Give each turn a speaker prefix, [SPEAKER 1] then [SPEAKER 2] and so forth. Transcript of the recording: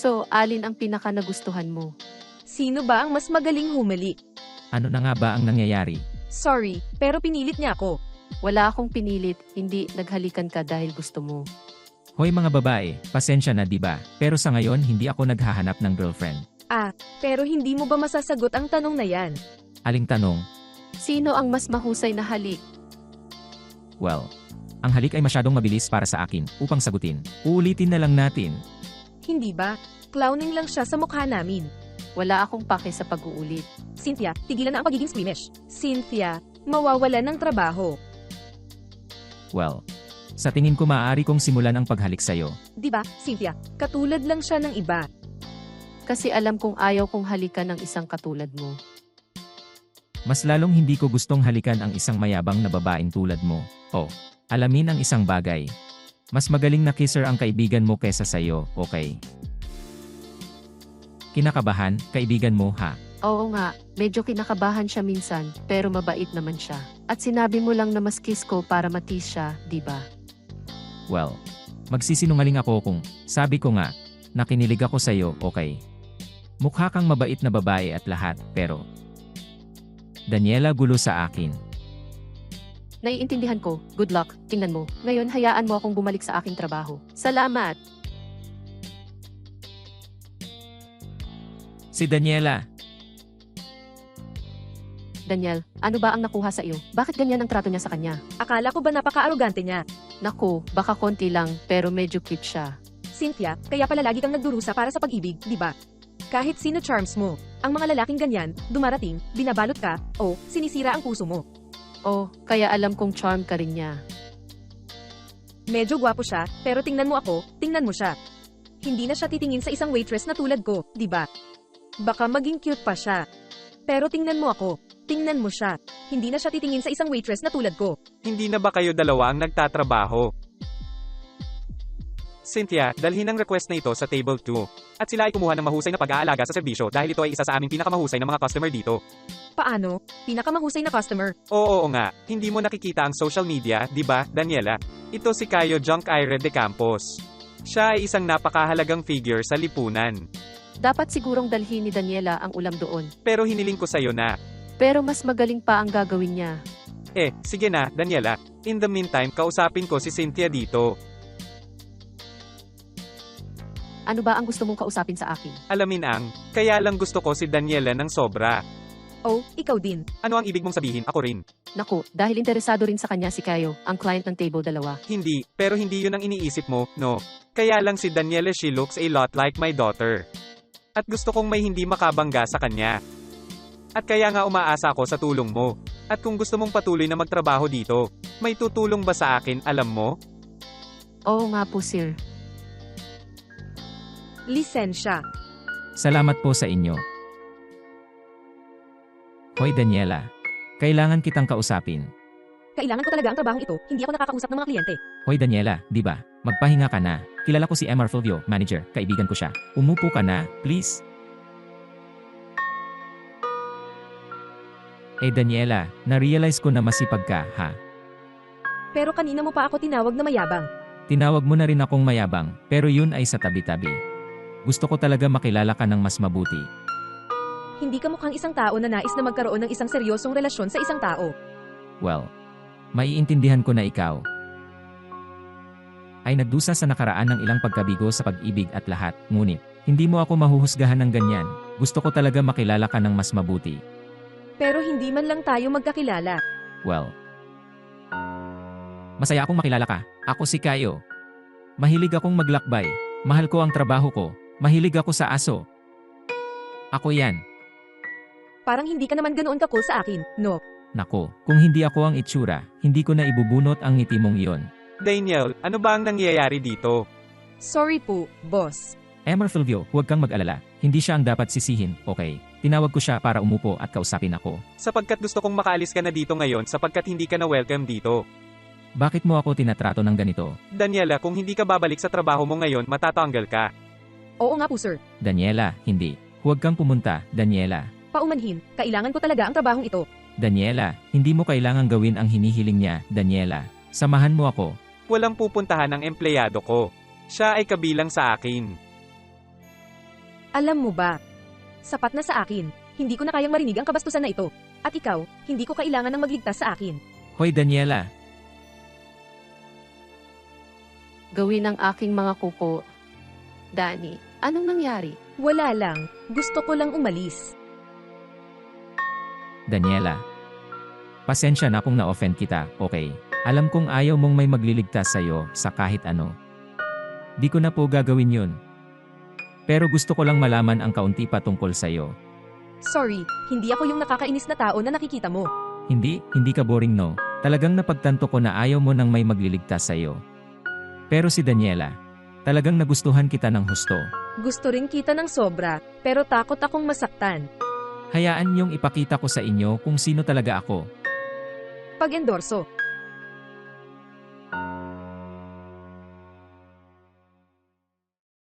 [SPEAKER 1] So, alin ang pinaka nagustuhan mo?
[SPEAKER 2] Sino ba ang mas magaling humali?
[SPEAKER 3] Ano na nga ba ang nangyayari?
[SPEAKER 2] Sorry, pero pinilit niya ako.
[SPEAKER 1] Wala akong pinilit, hindi naghalikan ka dahil gusto mo.
[SPEAKER 3] Hoy mga babae, pasensya na 'di ba? Pero sa ngayon hindi ako naghahanap ng girlfriend.
[SPEAKER 2] Pero hindi mo ba masasagot ang tanong na yan?
[SPEAKER 3] Aling tanong?
[SPEAKER 1] Sino ang mas mahusay na halik?
[SPEAKER 3] Well, ang halik ay masyadong mabilis para sa akin upang sagutin. Uulitin na lang natin.
[SPEAKER 2] Hindi ba? Clowning lang siya sa mukha namin.
[SPEAKER 1] Wala akong pake sa pag-uulit.
[SPEAKER 2] Cynthia, tigilan na ang pagiging squeamish. Cynthia, mawawalan ng trabaho.
[SPEAKER 3] Well, sa tingin ko maaari kong simulan ang paghalik sa'yo.
[SPEAKER 2] Di ba, Cynthia? Katulad lang siya ng iba.
[SPEAKER 1] Kasi alam kong ayaw kong halikan ng isang katulad mo.
[SPEAKER 3] Mas lalong hindi ko gustong halikan ang isang mayabang na babaeng tulad mo. Oh, alamin ang isang bagay. Mas magaling na kisser ang kaibigan mo kesa sa'yo, okay? Kinakabahan, kaibigan mo ha?
[SPEAKER 1] Oo nga, medyo kinakabahan siya minsan, pero mabait naman siya. At sinabi mo lang na mas kiss ko para matis siya, di ba?
[SPEAKER 3] Well, magsisinungaling ako kung sabi ko nga, nakinilig ako sa'yo, okay? Mukha kang mabait na babae at lahat, pero Daniela gulo sa akin.
[SPEAKER 1] Naiintindihan ko, good luck, tingnan mo. Ngayon hayaan mo akong bumalik sa aking trabaho. Salamat!
[SPEAKER 3] Si Daniela,
[SPEAKER 1] Daniel, ano ba ang nakuha sa iyo? Bakit ganyan ang trato niya sa kanya?
[SPEAKER 2] Akala ko ba napaka-arugante niya?
[SPEAKER 1] Naku, baka konti lang, pero medyo cute siya.
[SPEAKER 2] Cynthia, kaya pala lagi kang nagdurusa para sa pag-ibig, di ba? Kahit sino charms mo. Ang mga lalaking ganyan, dumarating, binabalot ka, o sinisira ang puso mo.
[SPEAKER 1] Oh, kaya alam kong charm ka rin niya.
[SPEAKER 2] Medyo gwapo siya, pero tingnan mo ako, tingnan mo siya. Hindi na siya titingin sa isang waitress na tulad ko, di ba? Baka maging cute pa siya. Pero tingnan mo ako, tingnan mo siya. Hindi na siya titingin sa isang waitress na tulad ko.
[SPEAKER 4] Hindi na ba kayo dalawa ang nagtatrabaho? Cynthia, dalhin ang request na ito sa table 2. At sila ay kumuha ng mahusay na pag-aalaga sa serbisyo dahil ito ay isa sa aming pinakamahusay na mga customer dito.
[SPEAKER 2] Paano? Pinakamahusay na customer.
[SPEAKER 4] Oo nga, hindi mo nakikita ang social media, di ba, Daniela? Ito si Caio Junk Aire de Campos. Siya ay isang napakahalagang figure sa lipunan.
[SPEAKER 1] Dapat sigurong dalhin ni Daniela ang ulam doon.
[SPEAKER 4] Pero hiniling ko sa'yo na.
[SPEAKER 1] Pero mas magaling pa ang gagawin niya.
[SPEAKER 4] Sige na, Daniela. In the meantime, kausapin ko si Cynthia dito.
[SPEAKER 1] Ano ba ang gusto mong kausapin sa akin?
[SPEAKER 4] Alamin ang, kaya lang gusto ko si Daniela ng sobra.
[SPEAKER 2] Oh, ikaw din.
[SPEAKER 4] Ano ang ibig mong sabihin? Ako rin.
[SPEAKER 1] Naku, dahil interesado rin sa kanya si Caio, ang client ng table 2.
[SPEAKER 4] Hindi, pero hindi yun ang iniisip mo, no? Kaya lang si Daniela, she looks a lot like my daughter. At gusto kong may hindi makabangga sa kanya. At kaya nga umaasa ako sa tulong mo. At kung gusto mong patuloy na magtrabaho dito, may tutulong ba sa akin, alam mo?
[SPEAKER 1] Oo nga po, sir.
[SPEAKER 2] Lisensya.
[SPEAKER 3] salamat po sa inyo. Hoy Daniela, kailangan kitang kausapin.
[SPEAKER 2] Kailangan ko talaga ang trabahong ito, hindi ako nakakausap ng mga kliyente.
[SPEAKER 3] Hoy Daniela, di ba? Magpahinga ka na. Kilala ko si Emar Fulvio, manager, kaibigan ko siya. Umupo ka na, please. Daniela, na-realize ko na masipag ka, ha?
[SPEAKER 2] Pero kanina mo pa ako tinawag na mayabang.
[SPEAKER 3] Tinawag mo na rin akong mayabang, pero yun ay sa tabi-tabi. Gusto ko talaga makilala ka ng mas mabuti.
[SPEAKER 2] Hindi ka mukhang isang tao na nais na magkaroon ng isang seryosong relasyon sa isang tao.
[SPEAKER 3] Well, maiintindihan ko na ikaw ay nagdusa sa nakaraan ng ilang pagkabigo sa pag-ibig at lahat, ngunit, hindi mo ako mahuhusgahan ng ganyan. Gusto ko talaga makilala ka ng mas mabuti.
[SPEAKER 2] Pero hindi man lang tayo magkakilala.
[SPEAKER 3] Well, masaya akong makilala ka. Ako si Caio. Mahilig akong maglakbay. Mahal ko ang trabaho ko. Mahilig ako sa aso. Ako yan.
[SPEAKER 2] Parang hindi ka naman ganoon ka-cool sa akin, no?
[SPEAKER 3] Nako, kung hindi ako ang itsura, hindi ko na ibubunot ang ngiti mong iyon.
[SPEAKER 4] Daniel, ano ba ang nangyayari dito?
[SPEAKER 2] Sorry po, boss.
[SPEAKER 3] Emar Fulvio, huwag kang mag-alala. Hindi siya ang dapat sisihin, okay? Tinawag ko siya para umupo at kausapin ako.
[SPEAKER 4] Sapagkat gusto kong makaalis ka na dito ngayon sapagkat hindi ka na welcome dito.
[SPEAKER 3] Bakit mo ako tinatrato ng ganito?
[SPEAKER 4] Daniela, kung hindi ka babalik sa trabaho mo ngayon, matatanggal ka.
[SPEAKER 2] Oo nga po, sir.
[SPEAKER 3] Daniela, hindi. Huwag kang pumunta, Daniela.
[SPEAKER 2] Paumanhin, kailangan ko talaga ang trabahong ito.
[SPEAKER 3] Daniela, hindi mo kailangang gawin ang hinihiling niya, Daniela. Samahan mo ako.
[SPEAKER 4] Walang pupuntahan ng empleyado ko. Siya ay kabilang sa akin.
[SPEAKER 2] Alam mo ba? Sapat na sa akin. Hindi ko na kayang marinig ang kabastusan na ito. At ikaw, hindi ko kailangan ng magligtas sa akin.
[SPEAKER 3] Hoy Daniela,
[SPEAKER 1] Gawin ang aking mga kuko. Danny, anong nangyari?
[SPEAKER 2] Wala lang. Gusto ko lang umalis.
[SPEAKER 3] Daniela. Pasensya na kung na-offend kita, okay? Alam kong ayaw mong may magliligtas sa'yo sa kahit ano. Di ko na po gagawin yun. Pero gusto ko lang malaman ang kaunti pa tungkol sa'yo.
[SPEAKER 2] Sorry, hindi ako yung nakakainis na tao na nakikita mo.
[SPEAKER 3] Hindi ka boring no. Talagang napagtanto ko na ayaw mo nang may magliligtas sa'yo. Pero si Daniela, talagang nagustuhan kita ng husto.
[SPEAKER 2] Gusto rin kita ng sobra, pero takot akong masaktan.
[SPEAKER 3] Hayaan niyong ipakita ko sa inyo kung sino talaga ako.
[SPEAKER 2] Pag-endorso.